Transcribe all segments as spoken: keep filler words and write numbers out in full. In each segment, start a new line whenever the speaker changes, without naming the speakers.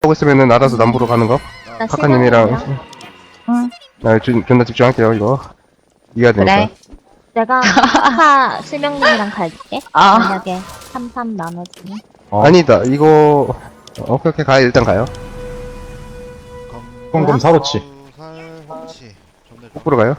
보고 있으면은 알아서 남부로 가는 거.
나
카카님이랑.
응.
나 주, 존나 집중할게요, 이거. 이해가 되니까.
그래.
내가 카카 실명님이랑 갈게.
아.
만약에 삼 삼 나눠지면.
어.
아니다, 이거. 어, 오케이, 오케이, 가요, 일단 가요.
꽁꽁 사로치.
살 험치. 존내
거꾸로 가요.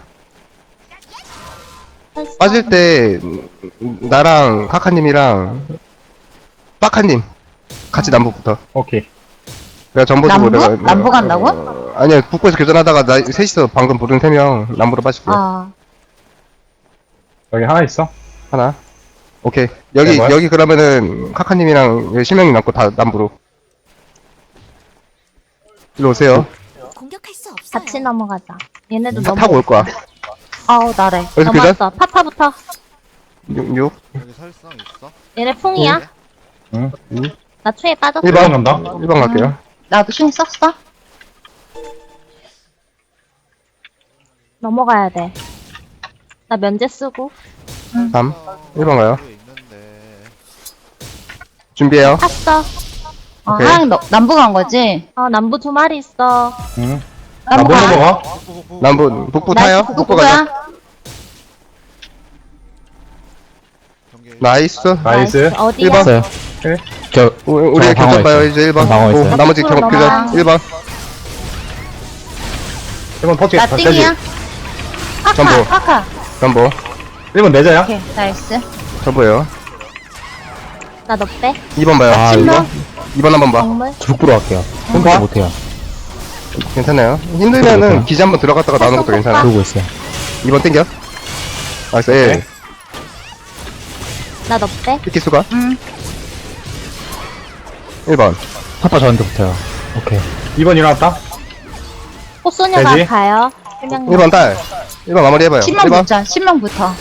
빠질 때, 음, 나랑 카카님이랑, 빠카님, 같이 남부부터.
오케이.
내가 전보 주고
남부?
내가.
남부 간다고?
어, 아니야, 북부에서 교전하다가 나, 셋이서 방금 부른 세 명, 남부로 빠질게요.
아.
여기 하나 있어.
하나. 오케이. 여기,
네, 뭐야?
여기 그러면은, 카카님이랑 여기 실명이 남고 다 남부로. 일로 오세요.
공격할 수 없어요.
같이 넘어가자. 얘네도
차
넘어.
타고 올 거야.
아우, 나래.
여기서 교전?
넘어왔어. 파파부터.
육, 육.
여기 살상 있어?
얘네 풍이야.
응.
나 추에 빠졌어.
일 번.
일 번 간다.
일 번 갈게요.
나도 춤 썼어?
넘어가야 돼. 나 면제 쓰고.
삼. 일 번 가요.
여기 있는데.
준비해요.
탔어.
어,
오케이.
하양 너, 남부 간 거지?
어, 남부 두 마리 있어.
응.
남부
나못
가.
넘어가?
북부 북부.
남부, 북부
나
타요? 북부 가자.
북부야.
경계.
나이스.
나이스.
어디야?
일 번.
있어요.
오케이.
저,
우- 우리가
방어
교전 봐요,
있어요.
이제 일 번.
방어
오,
있어요.
나머지
앞으로
경,
넘어가.
교전 일 번.
일 번 터치.
나
터치.
띵이야. 카카,
전부.
카카.
전보.
일 번 내자야.
오케이, 나이스.
전보요.
나 너 빼.
이 번 봐요.
아,
이
이거?
번. 이 번 한번 봐.
정물.
북부로 갈게요.
홈파?
홈파 못해요.
괜찮아요. 힘들면은
그렇구나.
기지 한번 들어갔다가 나오는 것도 괜찮아.
그러고 있어요.
이 번 땡겨. 나이스. 예.
오케이.
나 너 빼.
피키 수가.
응.
일 번.
파파 저한테 붙어요. 오케이.
이 번 일어났다.
꽃소녀가
되지?
가요. 실명님.
일 번 딸. 일 번 마무리 해봐요.
신명
일 번.
붙자, 신명부터.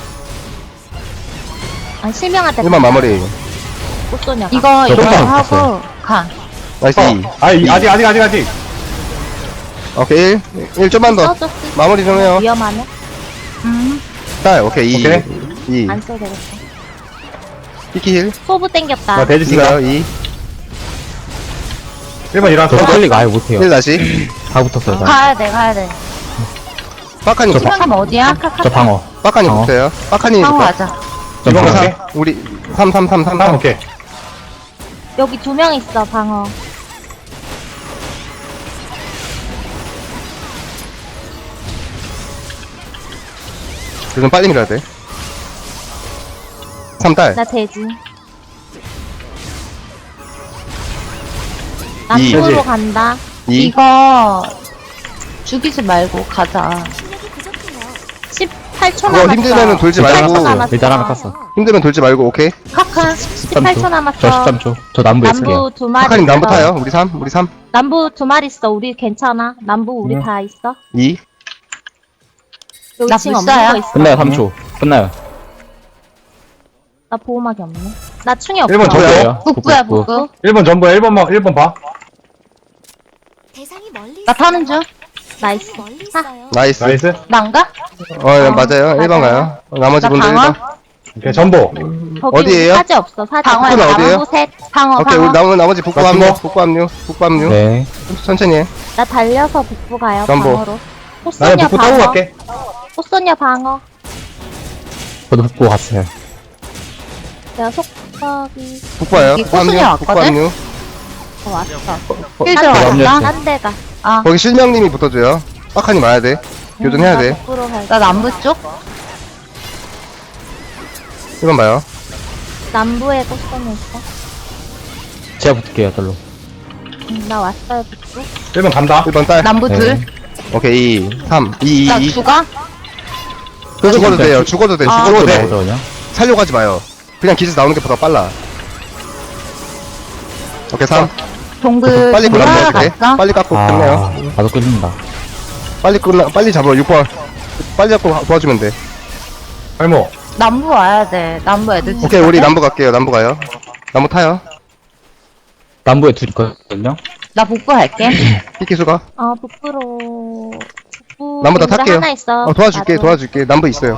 아, 실명한테.
일 번 마무리.
꽃소녀가.
이거,
저
이거
깜짝
하고,
놀랐어요.
가.
나이스. 이.
어. 아, 이, 아직, 아직, 아직, 아직.
오케이. 일. 일 좀만 더.
써줬어.
마무리 좀 해요.
위험하네.
음.
딸. 오케이. 이.
오케이.
이.
안 써도 되겠다.
피키 힐.
소부 땡겼다.
나 돼지 쓰다.
이가요. 이.
일 번 일어났어.
저 빨리가 아예 못해요.
일 다시.
다 붙었어요. 다.
가야 돼, 가야 돼.
빠카님.
저 봐.
신명님 어디야?
저 방어.
빠카님
어.
붙어요. 빠카님
방어
붙어.
가자.
저
이번
방어.
갈게.
삼. 우리 삼, 삼, 삼, 삼,
아,
삼.
오케이.
여기 두 명 있어, 방어.
요즘 빨리 밀어야 돼. 삼 딸.
나 돼지.
이.
남부로
돼지.
간다.
이.
이거, 죽이지 말고 가자.
실력이 부족해요.
십팔 초
그거
남았어.
힘들면은 돌지
일단
말고.
하나 깠어. 일단 하나 깠어.
힘들면 돌지 말고, 오케이.
카카.
십팔 초 남았어.
저 십삼 초. 저 남부에 있을게요.
남부 두 마리.
파카님 남부
있어.
타요. 우리 삼, 우리 삼.
남부 두 마리 있어. 우리 괜찮아. 남부 우리
응.
다 있어.
이.
여기
나
지금 없는
불사야.
거 있어.
끝나요, 삼 초. 끝나요.
나 보호막이 없네. 나 충이 없어.
일 번 저요.
저예요.
북부야, 북부.
일 번 전부야. 일 번 봐. 일 번 봐.
대상이 멀리
나
있어요.
타는 중.
나이스.
멀리
타.
있어요.
나이스.
나이스.
난가?
어, 예, 맞아요. 일 번
맞아요.
가요. 어, 나머지
나
분들 일 번.
방어?
오케이. 전보.
거기
어디예요?
우리 사제 없어. 사제.
방어야,
북부는 어디예요?
남부 셋.
방어,
오케이,
방어.
우리 나머지, 나머지 북부
나
합류.
죽어.
북부 합류. 북부 합류.
네.
천천히 해.
나 달려서 북부 가요.
전보.
방어로.
나는
꽃소녀
북부 타고
방어.
갈게.
꽃소녀 방어.
저도 북부 갔어요.
내가 속박이
북부 와요.
여기
북부 합류.
꽃순이
북부
왔거든?
합류.
어, 왔어.
힐
저
들어간다.
염려했어요.
딴 데가.
아,
거기 실명님이 붙어줘요. 빡하니 와야 돼. 교전해야
나
돼.
북부로 갈게.
나 남부 쪽?
일 번 봐요.
남부에 꽃소녀 있어.
제가 붙을게요, 절로.
응, 나 왔어요 북부.
일 번 간다.
일 번 딸.
남부
네.
둘.
오케이, 이, 삼, 이,
나
이, 이.
죽어?
죽어도 돼요. 죽어도 돼.
아.
죽어도 돼.
나오죠, 그냥.
살려고 하지 마요. 그냥 기지 나오는 게 더 빨라. 오케이, 삼.
동글
빨리
동글
끝내야
하나
돼.
갔어?
빨리 깎고
아,
끝내요.
나도 끌린다.
빨리 끝나, 빨리 잡아. 육 번. 빨리 잡고 도와주면 돼.
발목.
남부 와야 돼. 남부 애들
오케이, 우리 남부 갈게요. 남부 가요. 남부 타요.
남부에 둘 있거든요.
나 북부 갈게.
피키 수가.
어 북부로. 북부.
남부 다
동굴에
탈게요.
하나 있어.
어, 도와줄게,
나도.
도와줄게. 남부 있어요.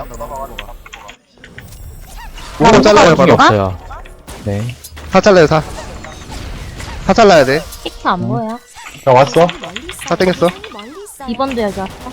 오
남부
번 잘라요,
가는
바로.
거?
없어요. 네.
사 잘라요, 사. 사 잘라야 돼.
피크 안 보여.
나 왔어.
멀리 있어요.
다 땡겼어.
멀리 있어요.
이 번도 여기 왔어.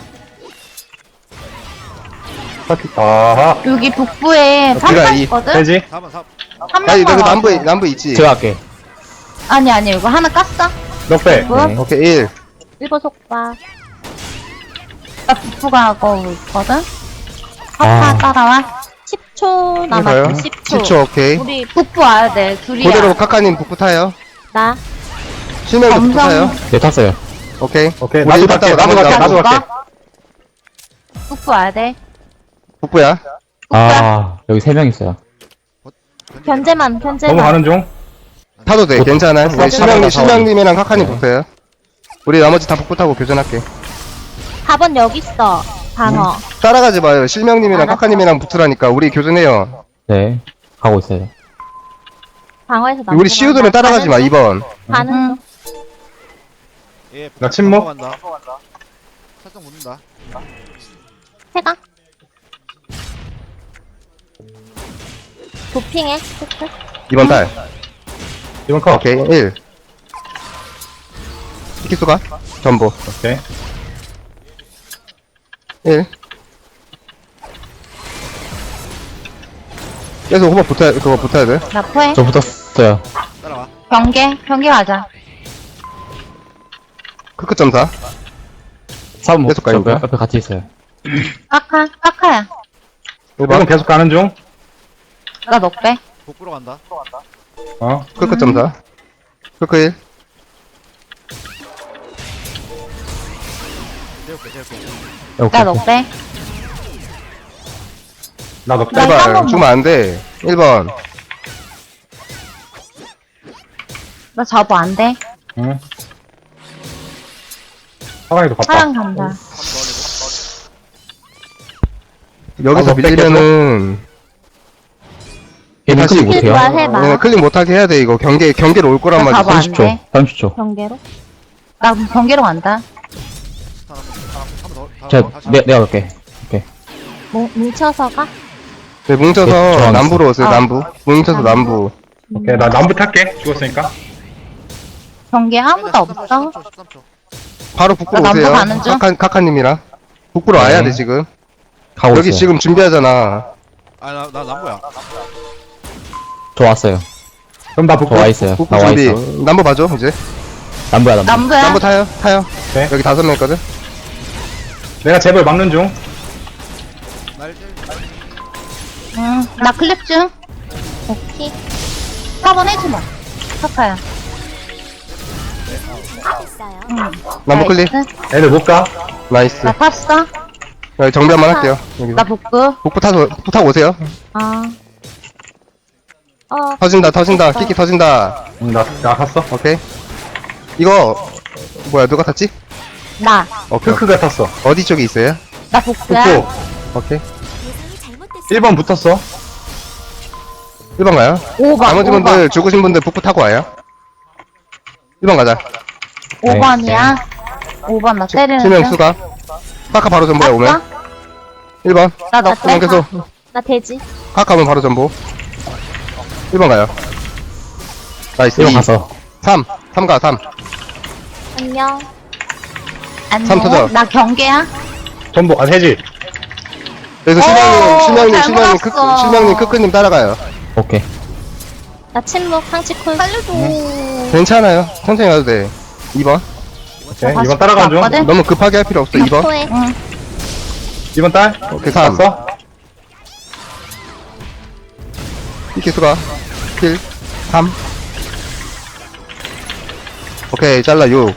파티. 아하.
여기 북부에
어,
삼
비가
번
이-
있거든?
되지?
사 번 사 번.
한
아니,
명만
여기
와.
남부에, 남부에 있지.
제가 할게.
아니, 아니, 이거 하나 깠어?
넉 배.
뭐?
네.
오케이, 일.
일 번 속박.
나 북부가 하고 있거든?
아.
파파 따라와.
십 초
가요.
남았어. 십 초.
십 초, 오케이.
우리
북부 와야 돼, 둘이야.
그대로 카카님 북부 타요.
나
실명도 북부
검정.
타요.
네, 탔어요.
오케이.
오케이.
우리
나도
일번
갈게.
타고
나도
나머지
갈게.
나머지
나도 갈게.
북부 와야 돼.
북부야.
아, 여기 세 명 있어요.
견제만 견제만.
넘어가는 중.
타도 돼,
못-
괜찮아.
못
우리
타고
실명님,
타고
실명님이랑 카카님
네.
붙어요. 우리 나머지 다 북부 타고 교전할게.
사 번 여기 있어. 방어.
따라가지 마요. 실명님이랑
알았어.
카카님이랑 붙으라니까. 우리 교전해요.
네. 가고 있어요.
방어에서 나.
우리 시우들은 따라가지 마, 이 번.
가는
응.
중.
예,
나 침묵.
넘어간다. 살짝 묻는다.
해가. 도핑해. 체크.
이 번 딸.
이번 컷.
오케이, 일. 키수가? 전보.
오케이.
일. 계속 호박 붙어야, 그거 붙어야 돼.
나 포해.
저 붙었어요.
따라와.
경계, 경계 가자.
크크 점사.
사 번
계속 가요,
붙었고요.
이거?
옆에 같이 있어요.
까카, 까카야.
일
이번
번.
계속 가는 중.
나 넉배.
복부로 간다.
어.
크크 점사. 크크 일.
재울게, 재울게.
네, 오케이.
나 넉배.
나 넉 배.
나
제발,
한번
주면 안 돼. 일 번.
나 잡어 안 돼.
응. 사랑이도 갔다.
사랑 간다.
여기서
아, 너
밀리면은,
얘는
다시
클릭 못해요.
해봐, 해봐.
얘네 클릭 못하게 해야 돼, 이거. 경계, 경계로 올 거란
나
말이야.
잡아 안
삼십 초.
돼.
삼십 초.
경계로.
나 경계로 간다.
스탄 한 번, 한번 더. 다음
제가,
다시
내, 내가 갈게.
뭉, 뭉쳐서 가.
네, 뭉쳐서
네, 저항했어.
남부로 오세요,
아.
남부. 뭉쳐서 남부.
오케이. 나 남부 탈게. 죽었으니까.
경계 아무도 없어.
십삼 초, 십삼 초.
바로 북부로
나 남부
오세요.
가는 중?
카카, 카카님이랑. 북부로 와야
네.
돼, 지금.
가고
여기
있어요.
지금 준비하잖아.
아, 나, 나 남부야.
저 왔어요.
그럼 나 북부.
저 와 있어요.
북부
나 와
준비.
있어.
남부 봐줘, 이제.
남부야, 남부.
남부야.
남부 타요, 타요.
네.
여기 다섯 명 있거든.
내가 제발 막는 중.
날 재-
응. 나 클립 중.
오케이.
사 번 해주마. 카카야.
공격했어요.
응.
남부 클릭.
나이스.
애들 못 가.
나이스.
나 탔어.
여기 정비 한번 할게요. 여기서.
나 북부.
북부 타서, 북부 타고 오세요.
아. 어.
터진다, 터진다. 키키 터진다.
응, 나, 나 갔어.
오케이. 이거, 뭐야, 누가 탔지?
나.
오케이.
크크가 탔어.
어디 쪽에 있어요?
나 북부야.
북부.
오케이.
대상이 잘못됐어요.
일 번 붙었어.
일 번 가요.
오 번.
나머지 분들, 죽으신 분들 북부 타고 와요. 일 번 가자.
오 번이야. 오 번 나 때리는
실명
중.
수가. 카카 바로 전보야, 오면. 일 번.
나
나
넉배.
계속.
나 돼지.
카카 오면 바로 전보. 일 번 가요. 나이스.
일 번
이.
가서.
삼. 삼 가, 삼.
안녕.
삼 터져.
안녕. 나 경계야.
전부, 아, 세지.
그래서
오,
실명님, 실명님,
잘
실명님, 크크,
몰았어.
실명님, 크크님 따라가요.
오케이.
나 침묵 상치 콜. 살려줘.
괜찮아요. 천천히 가도 돼. 이 번.
오케이.
다시
이번 따라가는 중.
왔거든?
너무 급하게 할 필요 없어, 이 번.
포해.
응.
이번 딸.
오케이, 삼.
갔어.
키키 수가. 킬. 삼. 오케이, 잘라, 육.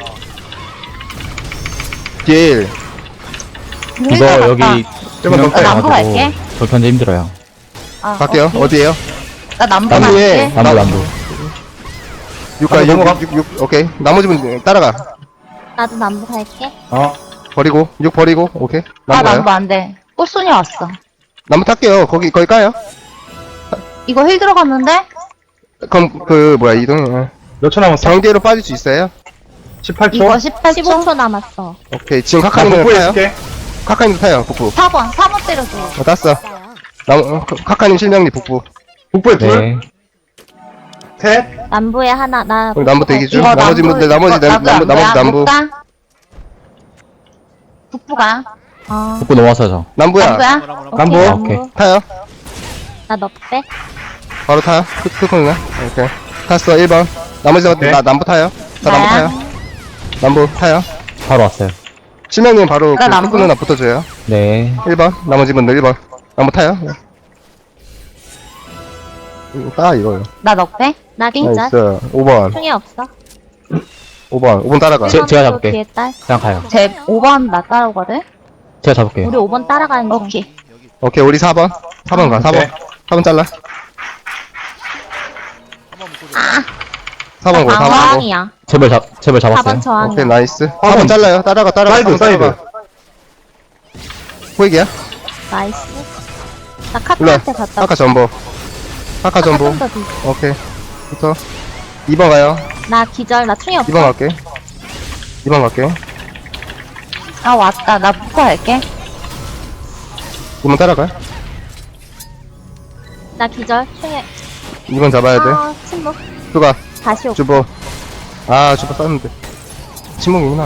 일.
이거 여기
좀만 더
두명
빼요.
남부 갈게.
저 견제 힘들어요.
아,
갈게요.
오케이.
어디에요?
나 남부
남부에.
갈게.
남부, 남부.
육 가,
바로 넘어가.
육, 육, 육. 오케이. 나머지 분 따라가.
나도 남부 갈게.
어.
버리고. 육 버리고. 오케이.
아,
나무 가요.
남부 안 돼. 꽃순이 왔어.
나무 탈게요. 거기, 거기 까요?
이거 힐 들어갔는데?
그럼, 그, 뭐야, 이동.
몇 초 남았어?
경계로 빠질 수 있어요?
십팔 초.
이거 십팔
십오
초.
초 남았어.
오케이. 지금
나
카카님도
북부에
타요.
있을게.
카카님도 타요, 북부.
사 번. 사 번 때려줘.
어, 땄어.
있어요.
나무, 어, 카카님 실명리 북부.
북부에 둘.
네.
셋.
남부에 하나, 나.
우리 남부 대기 중.
이거
나머지
남부,
분들, 나머지,
이거
남- 나머지, 나머지 남부.
북가? 북부가?
어,
북부 넘어왔어요, 저.
남부야.
남부야?
남부.
오케이,
오케이.
타요.
나 너 빼.
바로 타요. 크, 크크나. 오케이. 탔어, 일 번. 나머지,
오케이.
나, 남부 타요. 자, 남부
나야?
타요. 남부 타요.
바로 왔어요.
실명님 바로
나
그
남부.
크크 누나 붙어줘요.
네.
일 번. 나머지 분들 일 번. 남부 타요. 네. 이거 따, 이거요.
나 넉배?
나 기절.
나이스. 오 번.
충이 없어.
오 번. 오 번 따라가.
제- 제가
일 번도
잡을게.
뒤에 딸.
그냥 가요.
제 오 번 나 따르거든?
제가 잡을게요.
우리 오 번 따라가는 중.
오케이.
오케이, 우리 사 번. 사 번 가, 사 번.
오케이.
사 번 잘라.
한번 묶어줘.
사 번 고, 사 번 고.
저항이야.
제발 잡, 제발
사 번
잡았어요.
저항이야.
오케이, 나이스. 사
번.
번 잘라요. 따라가, 따라가.
사이드,
사 번 따라가.
사이드.
호익이야?
나이스. 나
일로 와.
카카한테 갔다.
카카 전보. 카카 전보.
좀더 뒤.
오케이. 붙어. 이 번 가요.
나 기절. 나 충이 없어.
이 번 갈게. 이 번 갈게.
아, 왔다. 나 북부 갈게.
이 번 따라가.
나 기절. 충이.
이 번 잡아야 돼.
아, 침묵.
수가.
다시 오고.
주보. 아, 주보 쌌는데. 침묵이구나.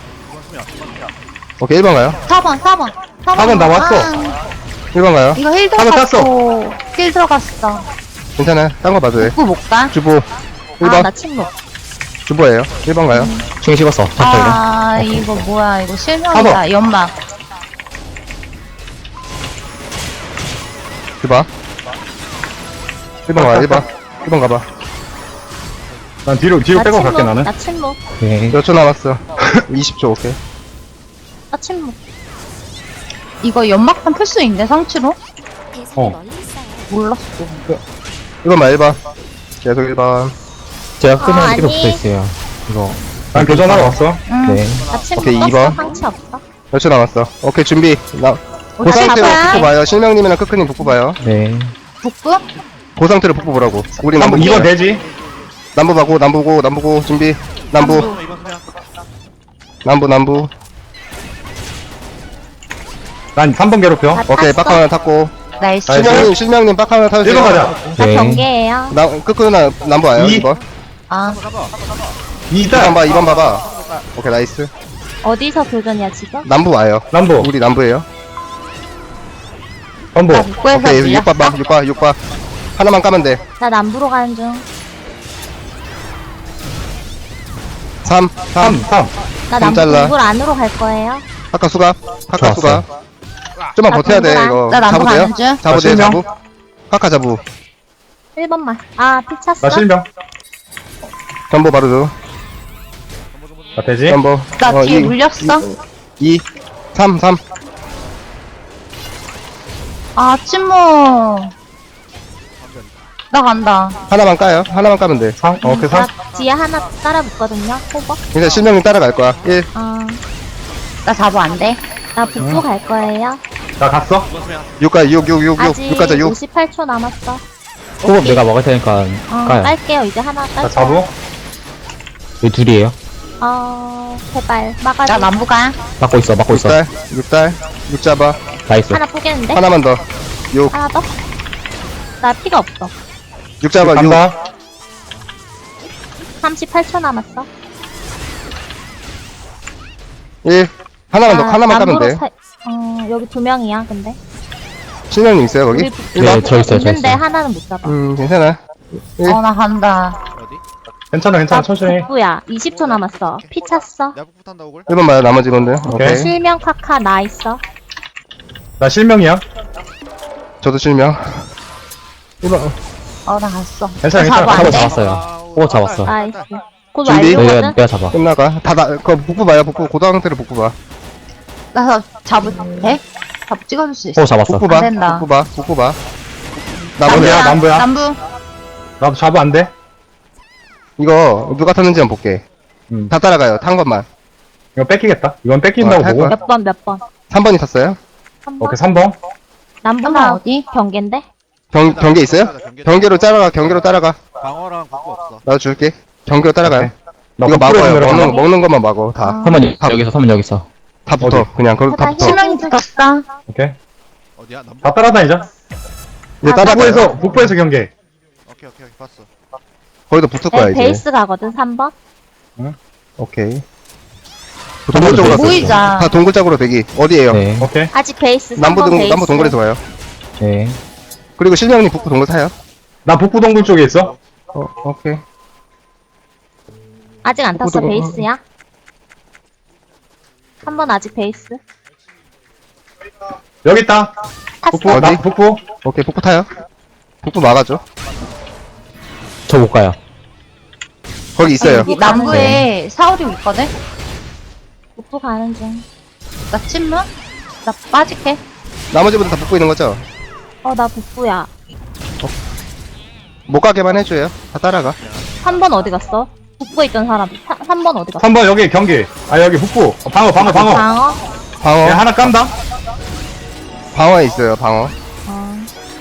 오케이, 일 번 가요.
사 번, 사 번. 사
사 번 남았어.
아,
일 번 가요.
이거 힐
사 번
들어갔어. 힐 들어갔어.
괜찮아요. 딴 거 봐도 돼.
북부 못 가?
주보. 일
아,
번.
나 침묵.
주보예요. 일 번 가요.
충이 식었어. 잡혀요.
아, 이거 뭐야. 이거 실명이다. 연막.
주봐. 일 번 가, 일 번. 일 번 가봐.
난 뒤로, 뒤로
나
빼고
침묵.
갈게, 나는.
나 침묵.
네.
몇 초 남았어? 이십 초, 오케이.
나 침묵.
이거 연막판 풀 수 있네, 상치로?
대상이
어.
멀리 있어요.
몰랐어.
일 번만 일 번. 계속 일 번.
제가
어,
끄면 이렇게
아니.
붙어 있어요. 이거.
난 교전하러 왔어.
응.
네.
나 침묵.
오케이,
떴어.
이 번.
상치 없어.
몇 초 남았어? 오케이, 준비. 나,
오,
그 상태로
잡아야.
북부 봐요. 실명님이랑 크크님 북부 봐요.
네.
북부?
그 상태로 북부 보라고. 우리 남부.
이 번 되지?
남부 봐고, 남부고, 남부고, 준비. 남부,
이번 그냥
남부, 남부.
난 삼 번 괴롭혀.
나
오케이,
땄어.
빡 하나 탔고.
나이스.
나이스.
실명님, 실명님 빡 하나 타주세요.
일 번 가자.
나
네.
경계예요.
나, 크크 누나 남부 와요,
이.
이 번.
아,
이
이 번
단.
봐, 이 번 봐봐. 오케이, 나이스.
어디서 교전이야, 지금?
남부 와요.
남부.
우리 남부에요.
전부.
나 북부에서
오케이, 육
밀렸어.
번 봐, 육 번, 육 번. 하나만 까면 돼.
나 남부로 가는 중.
삼,
삼,
삼.
삼.
나
좀
남부
잘라.
동굴 안으로 갈 거예요.
아까 수갑, 아까
좋았어요.
수갑. 좀만
나
버텨야 돼,
동그란.
이거.
나 남부
잡으세요?
가는 중.
잡으세요,
나 실명.
잡부. 카카 잡부.
일 번만. 아, 피 찼어?
나 실명.
전보 바로 줘.
나 되지?
전보.
나 뒤에
이,
물렸어.
이, 삼, 삼.
아, 침묵. 나 간다.
하나만 까요. 하나만 까면 돼.
삼. 어, 오케이,
나
삼.
뒤에 하나 따라 붙거든요. 호버.
근데 실명님 따라갈 거야. 일.
어,
나 잡어 안 돼.
나 북부 갈 거예요.
나 갔어?
이번 그냥
육 가, 육, 육, 육, 육.
아직
육 가자, 육.
오십팔 초 남았어.
호흡 내가 먹을 테니까
어,
까요.
깔게요. 이제 하나 깔게요.
나 자부?
여기 둘이에요.
어, 제발. 막아줘.
나 남부 가.
막고 있어, 막고
육
있어.
달, 육 달. 육 잡아.
나이스.
하나 포기했는데?
하나만 더. 육.
하나 더? 나 피가 없어.
육 잡아, 육.
간다.
삼십팔 초 남았어.
일. 하나만 더,
아,
하나만 까면
남부로
돼.
사- 어, 여기 두 명이야, 근데.
실명님 있어요, 거기?
우리
일
네,
번.
저 있어요, 저
있는데
있어요.
하나는 못 잡아.
음, 괜찮아. 일.
어, 나 간다.
어디?
괜찮아, 괜찮아.
나
천천히.
북부야. 이십 초 남았어. 피 찼어.
내가 북부 탄다 오글.
일 번 봐요, 나머지 분들.
오케이.
오케이.
실명 카카 나 있어.
나 실명이야.
저도 실명. 일 번.
어, 나 갔어.
괜찮아,
나 잡어
괜찮아.
안
잡아,
돼.
잡았어요. 오, 잡았어.
나이스. 곧
준비?
내가,
완료거든?
내가 잡아.
끝나가. 다, 나, 그거 북부 봐요, 북부. 고등학생들은 북부 봐.
나 잡을 돼? 잡 찍어줄 수 있어.
오, 잡았어.
북부 봐.
안 된다.
북부 봐, 북부 봐.
남부야,
나머지,
남부야.
남부.
나도 자부 안 돼?
이거 누가 탔는지 한번 볼게.
음.
다 따라가요, 탄 것만.
이거 뺏기겠다. 이건 뺏긴다고
어, 할
보고.
거야.
몇 번, 몇 번.
삼 번이 탔어요?
한 번.
오케이, 삼 번.
남부나
하나 어디?
경계인데?
경, 경계 있어요? 경계로 따라가, 경계로 따라가.
방어랑 북부 없어.
나도 줄게. 경계로 따라가요.
나
이거
북부에서
막아요.
내려가.
먹는, 먹는 것만 막어, 다.
어.
서면
다-
여기 있어, 서면 여기 있어.
다 붙어.
어디?
그냥, 거기 다
다
붙어.
힘-
실명이 붙었다.
오케이.
어디야? 남부?
다 따라다니자.
이제
아,
따라가요.
북부에서, 북부에서 경계.
오케이 오케이 오케이 봤어.
거기도 붙을 거야,
네,
이제.
베이스 가거든, 삼 번.
오케이. 동굴 쪽으로
네.
보이자.
갔어요. 다 동굴 쪽으로 대기. 어디에요?
네.
오케이.
아직 베이스, 삼
남부
번
동,
베이스.
남부 동굴에서 와요.
네.
그리고 실명님 북부 동굴 타요.
나 북부 동굴 쪽에 있어.
어, 오케이.
아직 안 탔어,
구동-
베이스야. 삼 번 아직 베이스.
여기 있다.
탔어.
북부,
어디?
나 북부.
오케이, 북부 타요. 북부 막아줘.
저 못 가요.
거기 있어요.
여기 남부에 사오리 있거든?
북부 가는 중.
나 침묵? 나 빠질게.
나머지 분들 다 북부 있는 거죠?
어, 나 북부야.
못 가게만 해줘요. 다 따라가.
삼 번 어디 갔어? 북부에 있던 사람. 삼 번 어디 갔어?
삼 번 여기 경기. 아, 여기 북부. 어, 방어, 방어, 방어.
방어?
방어.
야, 하나 깐다.
방어에 있어요, 방어.
어.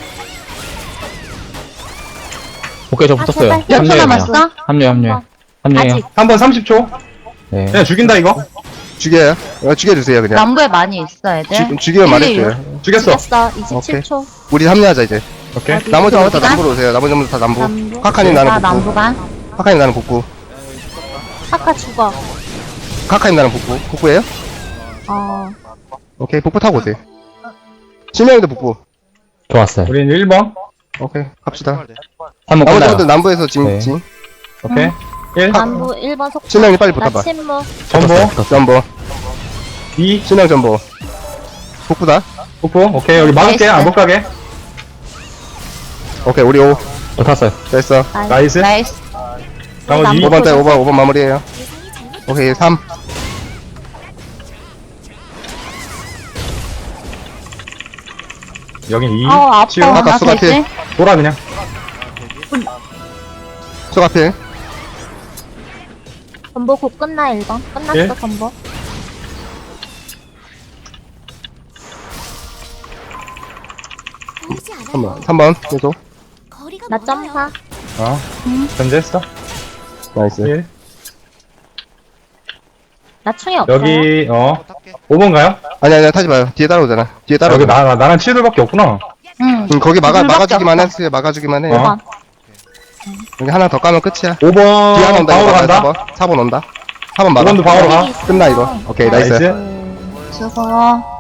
오케이, 저
아,
붙었어요.
제발.
몇 초
합류해요.
남았어?
합류, 합류.
어.
합류해요.
아직.
삼 번 삼십 초.
네.
그냥 죽인다, 이거.
죽여요. 이거 죽여주세요, 그냥.
남부에 많이 있어, 애들.
죽, 죽이면
일,
말해줘요.
죽였어.
죽였어. 이십칠 초.
우리 합류하자, 이제.
오케이.
어디?
나머지 분들 다
어디가?
남부로 오세요. 나머지 분들 다 남부.
남부.
카카님 나는
나
북부.
남부가.
카카님 나는 북부.
아까 죽어.
카카님 나는 북부. 북부예요?
어.
오케이, 북부 타고 오세요. 실명이도 북부.
좋았어요.
우린 일 번.
오케이, 갑시다.
출발돼.
한 번
나머지
끝나요.
분들 남부에서 진,
네.
진.
오케이. 일.
남부 일 번 속도.
실명이 빨리
나
붙어봐.
침묵.
전보.
전보.
이.
실명 전보. 북부다.
북부. 오케이. 여기 막을게. 안 못 가게.
오케이, 우리 오.
저 탔어요.
됐어.
나이스.
나이스.
나머지 이.
남부.
오 번 때, 오 번, 오 번 마무리해요.
예상이 잘못.
오케이, 삼.
여긴 이.
아우, 아파.
치우.
아까
나
수가
되지?
돌아, 그냥.
수갑필.
전보 곧 끝나, 일 번. 끝났어,
예?
전보.
보이지 않아요.
잠깐만. 삼 번. 계속.
거리가
나
멀어요.
점사.
어. 견제했어.
나이스.
일.
나 충이 없어요.
여기, 어.
또 탈게.
오 번 가요?
아니, 아니, 타지 마요. 뒤에 따라오잖아. 뒤에
아, 여기
따라오잖아.
나, 나랑 치들밖에 없구나.
응.
음, 거기 막아,
둘밖에
막아주기만
없어.
해주세요. 막아주기만 해요.
어.
일 번.
여기 하나 더 까면 끝이야.
오 번.
뒤에 하나 온다.
방으로
이거
간다.
사 번. 사 번 온다. 사 번
오
막아.
번도 방으로 가.
끝나, 이거. 오케이, 나이스.
나이스.
수고.